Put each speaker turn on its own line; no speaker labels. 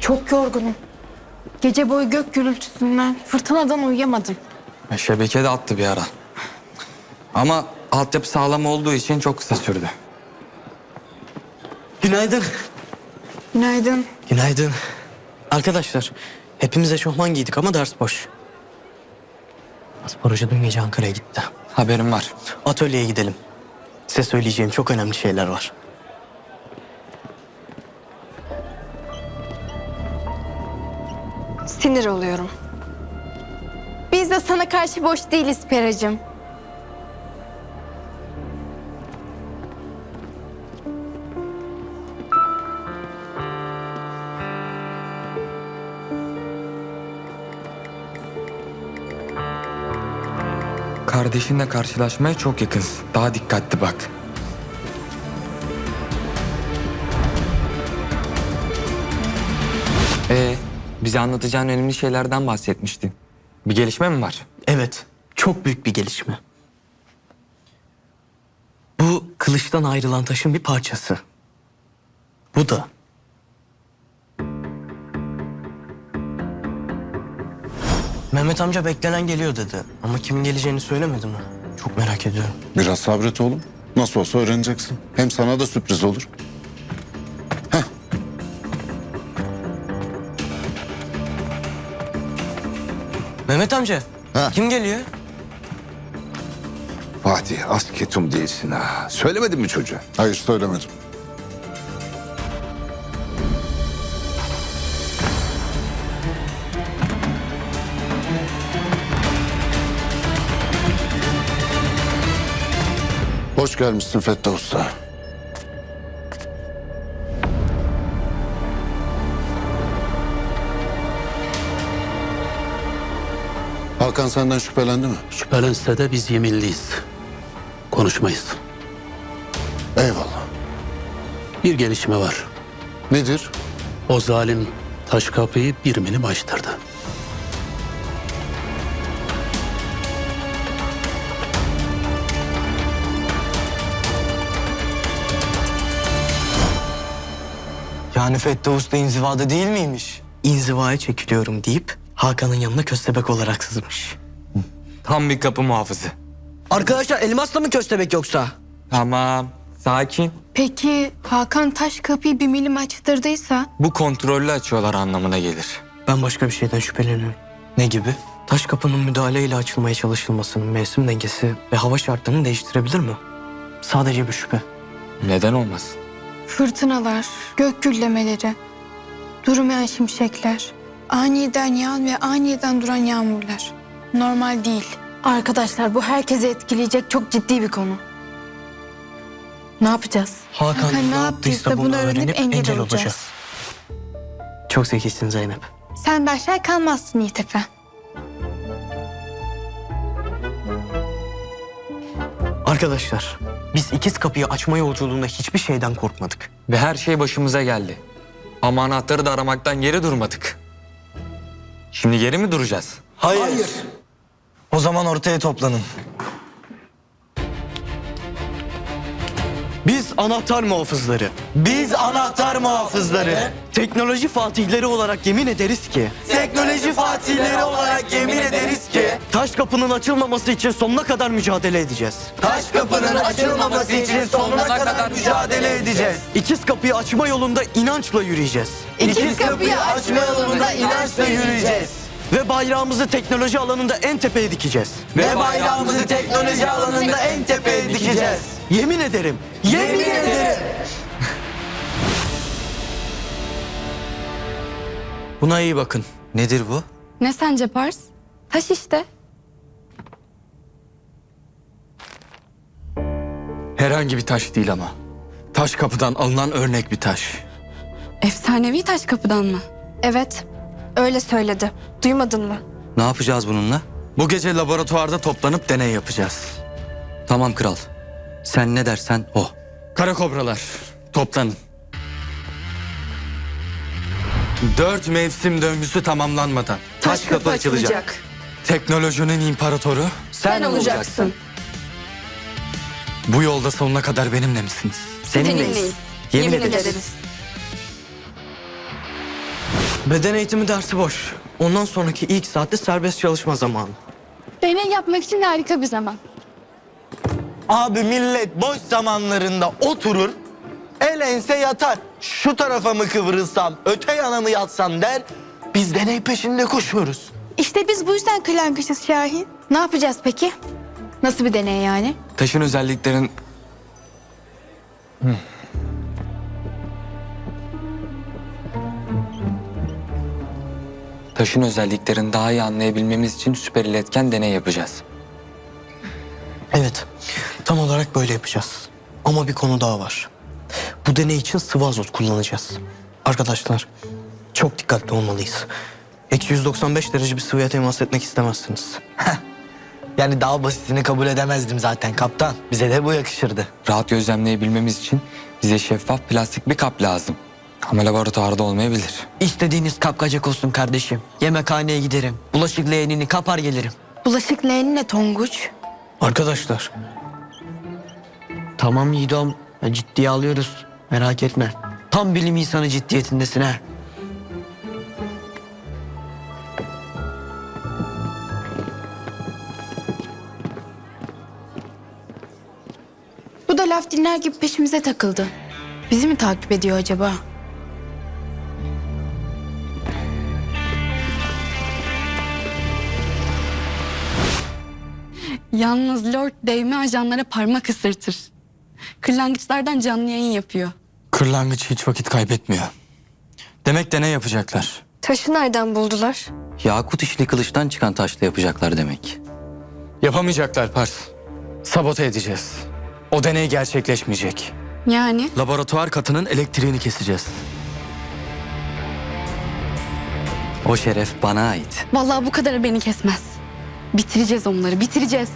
Çok yorgunum. Gece boyu gök gürültüsünden, fırtınadan uyuyamadım.
Şebeke de attı bir ara. Ama altyapı sağlam olduğu için çok kısa sürdü.
Günaydın.
Günaydın.
Günaydın. Arkadaşlar, hepimiz eşofman giydik ama ders boş. Spor hoca dün gece Ankara'ya gitti.
Haberim var.
Atölyeye gidelim. Size söyleyeceğim çok önemli şeyler var.
Sinir oluyorum. Biz de sana karşı boş değiliz Peracığım.
Kardeşinle karşılaşmaya çok yakınsın. Daha dikkatli bak. Bize anlatacağın önemli şeylerden bahsetmiştin. Bir gelişme mi var?
Evet, çok büyük bir gelişme. Bu kılıçtan ayrılan taşın bir parçası. Bu da. Mehmet amca beklenen geliyor dedi. Ama kimin geleceğini söylemedi mi? Çok merak ediyorum.
Biraz sabret oğlum. Nasıl olsa öğreneceksin. Hem sana da sürpriz olur.
Mehmet amca,
Ha.
kim geliyor?
Fatih az ketum değilsin ha. Söylemedin mi çocuğa?
Hayır söylemedim. Hoş gelmişsin Fettah Usta. Hakan senden şüphelendi mi?
Şüphelense de biz yeminliyiz. Konuşmayız.
Eyvallah.
Bir gelişme var.
Nedir?
O zalim taş kapıyı bir milim açtırdı.
Yani Fettah Usta inzivada değil miymiş? İnzivaya çekiliyorum deyip Hakan'ın yanına köstebek olarak sızmış.
Tam bir kapı muhafızı.
Arkadaşlar elmasla mı köstebek yoksa?
Tamam. Sakin.
Peki Hakan taş kapıyı bir milim açtırdıysa?
Bu kontrollü açıyorlar anlamına gelir.
Ben başka bir şeyden şüpheleniyorum. Ne gibi? Taş kapının müdahaleyle açılmaya çalışılmasının mevsim dengesi ve hava şartlarını değiştirebilir mi? Sadece bir şüphe.
Neden olmasın?
Fırtınalar, gök gürlemeleri, durmayan şimşekler, aniden yağan ve aniden duran yağmurlar. Normal değil. Arkadaşlar bu herkesi etkileyecek çok ciddi bir konu. Ne yapacağız?
Hakan ne yaptıysa bunu öğrenip engel olacağız.
olacağız.
Çok zekisin Zeynep.
Sen de aşağı kalmazsın Yiğit Efe.
Arkadaşlar biz ikiz kapıyı açma yolculuğunda hiçbir şeyden korkmadık.
Ve her şey başımıza geldi. Ama anahtarı da aramaktan geri durmadık. Şimdi geri mi duracağız?
Hayır. O zaman ortaya toplanın. Biz anahtar muhafızları. Biz anahtar muhafızları. Teknoloji fatihleri olarak yemin ederiz ki. Teknoloji fatihleri olarak yemin ederiz ki. Taş kapının açılmaması için sonuna kadar mücadele edeceğiz. Taş kapının açılmaması için sonuna kadar mücadele edeceğiz. İkiz kapıyı açma yolunda inançla yürüyeceğiz. İkiz kapıyı açma yolunda inançla yürüyeceğiz. Ve bayrağımızı teknoloji alanında en tepeye dikeceğiz. Ve bayrağımızı teknoloji alanında en tepeye dikeceğiz. Yemin ederim. Yemin ederim. Buna iyi bakın. Nedir bu?
Ne sence Pars? Taş işte.
Herhangi bir taş değil ama. Taş kapıdan alınan örnek bir taş.
Efsanevi taş kapıdan mı? Evet, öyle söyledi. Duymadın mı?
Ne yapacağız bununla?
Bu gece laboratuvarda toplanıp deney yapacağız.
Tamam kral. Sen ne dersen o.
Kara kobralar, toplanın. 4 mevsim döngüsü tamamlanmadan
Taş kapı açılacak.
teknolojinin imparatoru
Sen olacaksın.
bu yolda sonuna kadar benimle misiniz?
Seninleyiz. Yemin ederiz. Beden eğitimi dersi boş. Ondan sonraki ilk saatte serbest çalışma zamanı.
Deney yapmak için harika bir zaman.
Abi millet boş zamanlarında oturur, el ense yatar. Şu tarafa mı kıvrılsam, öte yana mı yatsam der. Biz deney peşinde koşuyoruz.
İşte biz bu yüzden kırlangıçız Şahin. Ne yapacağız peki? Nasıl bir deney yani?
Taşın özelliklerin... Taşın özelliklerini daha iyi anlayabilmemiz için süper iletken deney yapacağız.
Evet, tam olarak böyle yapacağız. Ama bir konu daha var. Bu deney için sıvı azot kullanacağız. Arkadaşlar, çok dikkatli olmalıyız. Eksi 195 derece bir sıvıya temas etmek istemezsiniz. Yani daha basitini kabul edemezdim zaten kaptan. Bize de bu yakışırdı.
Rahat gözlemleyebilmemiz için bize şeffaf plastik bir kap lazım. Ama laboratuvarda olmayabilir.
İstediğiniz kapkacak olsun kardeşim. Yemekhaneye giderim. Bulaşık leğenini kapar gelirim.
Bulaşık leğeni ne Tonguç?
Arkadaşlar. Tamam Yiğidom. Ciddiye alıyoruz. Merak etme. Tam bilim insanı ciddiyetindesin ha.
Bu da laf dinler gibi peşimize takıldı. Bizi mi takip ediyor acaba?
Yalnız Lord değme ajanlara parmak ısırtır. Kırlangıçlardan canlı yayın yapıyor.
Kırlangıç hiç vakit kaybetmiyor. Demek deney yapacaklar.
Taşı nereden buldular?
Yakut işli kılıçtan çıkan taşla yapacaklar demek.
Yapamayacaklar Pars. Sabote edeceğiz. O deney gerçekleşmeyecek.
Yani
Laboratuvar katının elektriğini keseceğiz.
O şeref bana ait.
vallahi bu kadarı beni kesmez. Bitireceğiz onları, bitireceğiz.